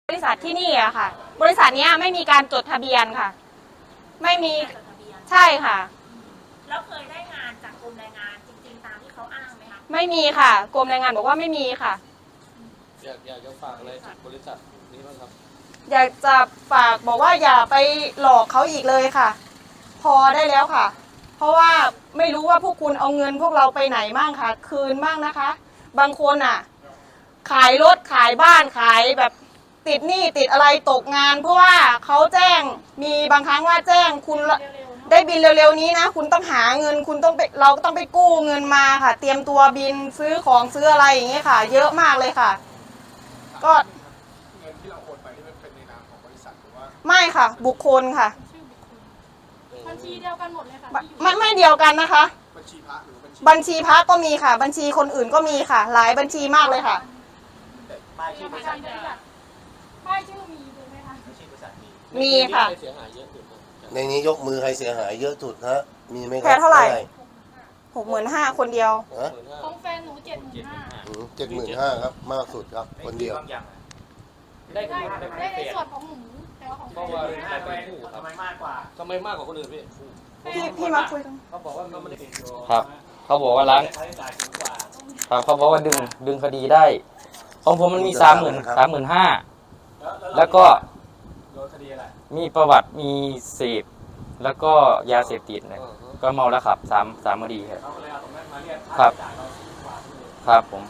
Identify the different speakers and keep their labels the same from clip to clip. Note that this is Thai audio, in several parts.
Speaker 1: บริษัทที่นี่อะค่ะบริษัทนี้ไม่มีการจดทะเบียนค่ะไม่มีใช่ค่ะ
Speaker 2: แล้วเคยได้งานจากกรมแรงงานจริงๆตามที่เขาอ้างไหมคะ
Speaker 1: ไม่มีค่ะกรมแรงงานบอกว่าไม่มีค่ะ
Speaker 3: อยากจะฝากอะไรถึงบริษัทนี้บ้างครับ
Speaker 1: อยากจะฝากบอกว่าอย่าไปหลอกเขาอีกเลยค่ะ พอได้แล้วค่ะเพราะว่าไม่รู้ว่าพวกคุณเอาเงินพวกเราไปไหนบ้างค่ะคืนบ้างนะคะ บางคนอ่ะขายรถขายบ้านขายแบบติดหนี้ติดอะไรตกงานเพราะว่าเขาแจ้งมีบางครั้งว่าแจ้งคุณได้บินเร็วๆนี้นะคุณต้องหาเงินคุณต้องไปเราก็ต้องไปกู้เงินมาค่ะเตรียมตัวบินซื้อของซื้ออะไรอย่างเงี้ยค่ะเยอะมากเลยค่ะก็
Speaker 4: เงินที่เราโอนไปที่เป็นในนามของบริษัทหรือว่า
Speaker 1: ไม่ค่ะบุคคลค่ะ
Speaker 2: บัญชีเดียวกันหมดเลยค่ะ
Speaker 1: ไม่เดียวกันนะคะ
Speaker 4: บัญชีพระหรือ
Speaker 1: บัญชีพระก็มีค่ะบัญชีคนอื่นก็มีค่ะหลายบัญชีมากเลยค่ะ
Speaker 2: ป้ายชื่อบริษัทป้ายชื่อมีดูไหมคะ
Speaker 1: มีค่ะ
Speaker 3: ในนี้ยกมือใครเสียหายเยอะสุดฮะมีไหมครับ
Speaker 1: แค่เท่าไหร่65,000คนเดียว
Speaker 2: ของแฟนหนู75,000
Speaker 3: 75,000ครับมากสุดครับคนเดียว
Speaker 2: ได้ในส่วนของหนูแต่ว่าของแฟน
Speaker 4: ทำไมมากกว่า
Speaker 3: คนอื่น
Speaker 1: พี่มาคุยกัน
Speaker 4: เขาบอกว่ามันไม่ได้ติดอยู่
Speaker 5: ครับเขาบอกว่าล้างครับเขาบอกว่าดึงคดีได้ของผมมันมี35,000แล้วก็มีประวัติมีเสพแล้วก็ยาเสพติดเนี่ยก็เมาแล้วขับ3คดีครับครับผม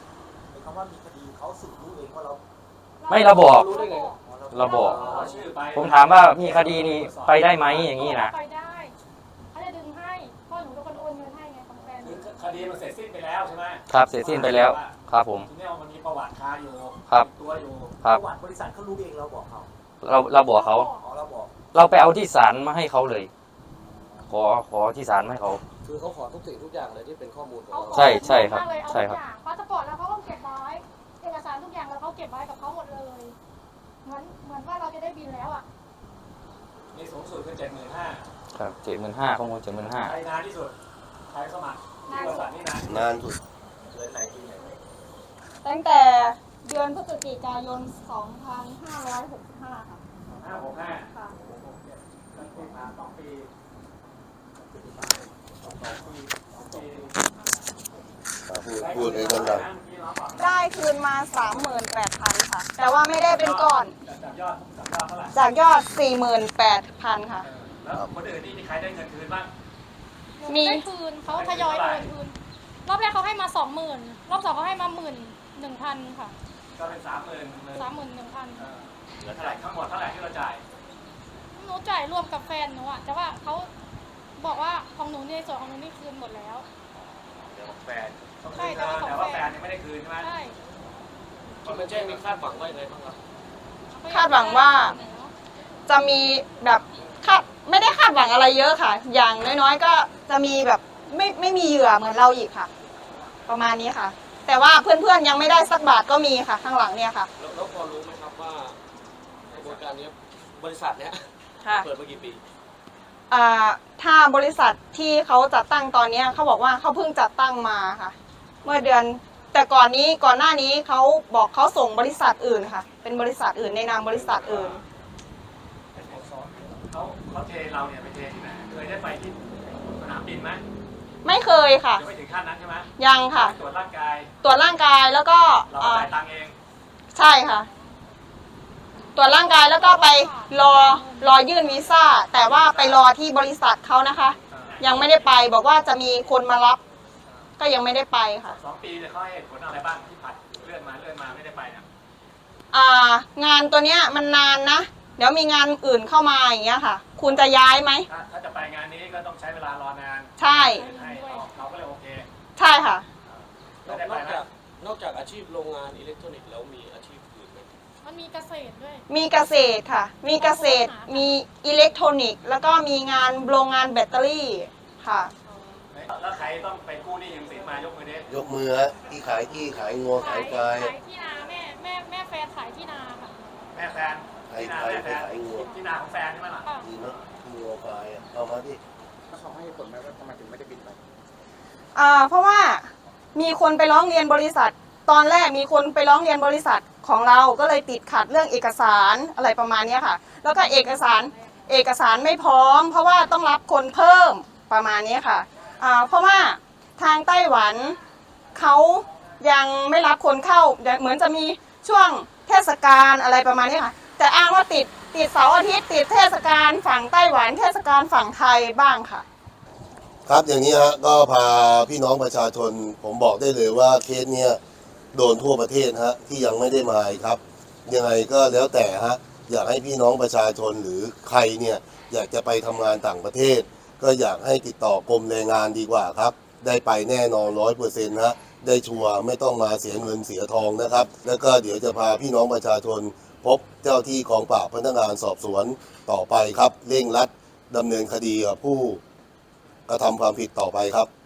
Speaker 5: ไม่เราบอกผมถามว่ามีคดีนี้ไปได้ไหมอย่างนี้นะ
Speaker 2: ไปได้เขาจะดึงให้พ่อหนูเป็นคนโอนเงินให้ไงของแฟน
Speaker 4: คดีมันเสร็จสิ้นไปแล้วใช่ไหม
Speaker 5: ครับเสร็จสิ้นไปแล้วครับผม
Speaker 4: ทีนี้มันมีประวัติคาอยู่
Speaker 5: ครับ
Speaker 4: ตัวอยู่
Speaker 5: ประ
Speaker 4: วัติบริษัทเขารู้เองเราบอกเขา
Speaker 5: เราบอกเขาเราไปเอาที่ศาลมาให้เขาเลยขอที่ศาลมาให้เขา
Speaker 3: คือเขาขอทุกสิ่งทุกอย่างเลยที่เป็นข้อมูลของเรา
Speaker 5: ใช่ครับใช่ครับ
Speaker 2: พาสปอร์ตแล้วเขาก็เก็บไว้เอกสารทุกอย่างแล้วเขาเก็บไว้กับเขาหมดเลยเหมือนว่าเราจะได้บินแล้วอ่ะ
Speaker 4: นี่สูงสุดคือ75,000
Speaker 5: ครับ75,000ข้อมูล75,000
Speaker 4: ใครนานที่สุดใครสมัครบริษัทนี่
Speaker 3: นานสุด
Speaker 4: เลยไหนที่ไหน
Speaker 1: ตั้งแต่เดือนพฤศจิกายน2565ค่ะ
Speaker 4: 565
Speaker 1: ค่ะ
Speaker 4: ตั้งแต่มา2 ปี
Speaker 3: พูดเลยคนดัง
Speaker 1: ได้คืนมา 38,000 ค่ะ แต่ว่าไม่ได้เป็นก้อนจากยอด 48,000 ค่ะ
Speaker 4: แล้วคนอื่นนี่มีใครได้เงินคืนบ้าง
Speaker 2: มีคืนเขาทยอยโอนคืนรอบแรกเขาให้มา20,000รอบ2เขาให้มา11,000 ค่ะ
Speaker 4: ก็เป็น
Speaker 2: 31,000
Speaker 4: เหลือเท่าไหร่ทั้งหมดเท่าไหร่ที่เราจ่าย
Speaker 2: หนูจ่ายรวมกับแฟนหนูอะแต่ว่าเขาบอกว่าของหนูในส่วนของหนูนี่คืนหมดแล้ว
Speaker 4: เดี๋ยวแฟนใช่แต่ว่าแฟนยังไม่ได้คืนใช่ไหม
Speaker 2: ใช่
Speaker 3: ที่มาแจ้งมีคาดหวังว่าอะไรบ้างครับ
Speaker 1: คาดหวังว่าจะมีแบบไม่ได้คาดหวังอะไรเยอะค่ะอย่างน้อยๆก็จะมีแบบไม่มีเหยื่อเหมือนเราอีกค่ะประมาณนี้ค่ะแต่ว่าเพื่อนๆยังไม่ได้สักบาทก็มีค่ะข้างหลังเนี่ยค่ะ
Speaker 3: แล้วพอรู้ไหมครับว่ากระบวนการนี้บริษัทเนี้ยเปิดมากี่ปี
Speaker 1: ถ้าบริษัทที่เขาจัดตั้งตอนนี้เขาบอกว่าเขาเพิ่งจัดตั้งมาค่ะเมื่อเดือนแต่ก่อนหน้านี้เขาบอกเขาส่งบริษัทอื่นค่ะเป็นบริษัทอื่นในนามบริษัทอื่น
Speaker 4: เขาเทเราเนี่ยไปเทที่ไหนเคยได้ไปที่สนามบินไหม
Speaker 1: ไม่เคยค่ะ
Speaker 4: ยังไม่ถึงขั้นนั้นใช่ไหม
Speaker 1: ยังค่ะ
Speaker 4: ตรวจร่างกาย
Speaker 1: แล้วก็
Speaker 4: เราจ่ายตังค์เอง
Speaker 1: ใช่ค่ะตรวจร่างกายแล้วก็ไปรอยื่นวีซ่าแต่ว่าไปรอที่บริษัทเขานะคะยังไม่ได้ไปบอกว่าจะมีคนมารับก็ยังไม่ได้ไปค่ะ
Speaker 4: 2 ปีเขาให้ผลอะไรบ้างที่ผัดเลื่อนมาไม่ได้ไปนะ
Speaker 1: งานตัวเนี้ยมันนานนะเดี๋ยวมีงานอื่นเข้ามาอย่างเงี้ยค่ะคุณจะย้ายไหม
Speaker 4: ถ้าจะไปงานนี้ก็ต้องใช้เวลารอนาน
Speaker 1: ใช่
Speaker 4: เราก็เลยโอเค
Speaker 1: ใช่ค่ะ
Speaker 3: นอกจากอาชีพโรงงานอิเล็กทรอนิกส์แล้วมีอาชีพอื่นไหม
Speaker 2: มันมีเกษตรด้วย
Speaker 1: มีเกษตรค่ะมีเกษตรมีอิเล็กทรอนิกส์แล้วก็มีงานโรงงานแบตเตอรี่ค่ะ
Speaker 4: แล้วใครต้องไปกู้หนี้ยืมสินมายกมือดิ
Speaker 3: ยกมือฮะที่ขายที่ขายงัวขายควาย
Speaker 2: ขายที่นาแม่แฟนขายที่นาค่ะ
Speaker 4: แม่แฟนที่นาแม่แฟนที่นาของแฟนใช่ไหมล่ะ
Speaker 3: ดีเนาะที่งัวควายเอามาที่
Speaker 4: เขาให้ผลไหมว่าทำไมถึงไม่ได้บินไป
Speaker 1: เพราะว่ามีคนไปร้องเรียนบริษัทตอนแรกมีคนไปร้องเรียนบริษัทของเราก็เลยติดขัดเรื่องเอกสารอะไรประมาณนี้ค่ะแล้วก็เอกสารไม่พร้อมเพราะว่าต้องรับคนเพิ่มประมาณนี้ค่ะเพราะว่าทางไต้หวันเขายังไม่รับคนเข้าเหมือนจะมีช่วงเทศกาลอะไรประมาณนี้ค่ะแต่อ้างว่าติดเสาร์อาทิตย์ติดเทศกาลฝั่งไต้หวันเทศกาลฝั่งไทยบ้างค่ะ
Speaker 6: ครับอย่างนี้ฮะก็พาพี่น้องประชาชนผมบอกได้เลยว่าเคสเนี้ยโดนทั่วประเทศฮะที่ยังไม่ได้มาครับยังไงก็แล้วแต่ฮะอยากให้พี่น้องประชาชนหรือใครเนี่ยอยากจะไปทำงานต่างประเทศก็อยากให้ติดต่อกรมแรงงานดีกว่าครับได้ไปแน่นอน100%ฮะได้ชัวร์ไม่ต้องมาเสียเงินเสียทองนะครับแล้วก็เดี๋ยวจะพาพี่น้องประชาชนพบเจ้าที่กองปราบพนักงานสอบสวนต่อไปครับเร่งรัดดำเนินคดีกับผู้กระทำความผิดต่อไปครับ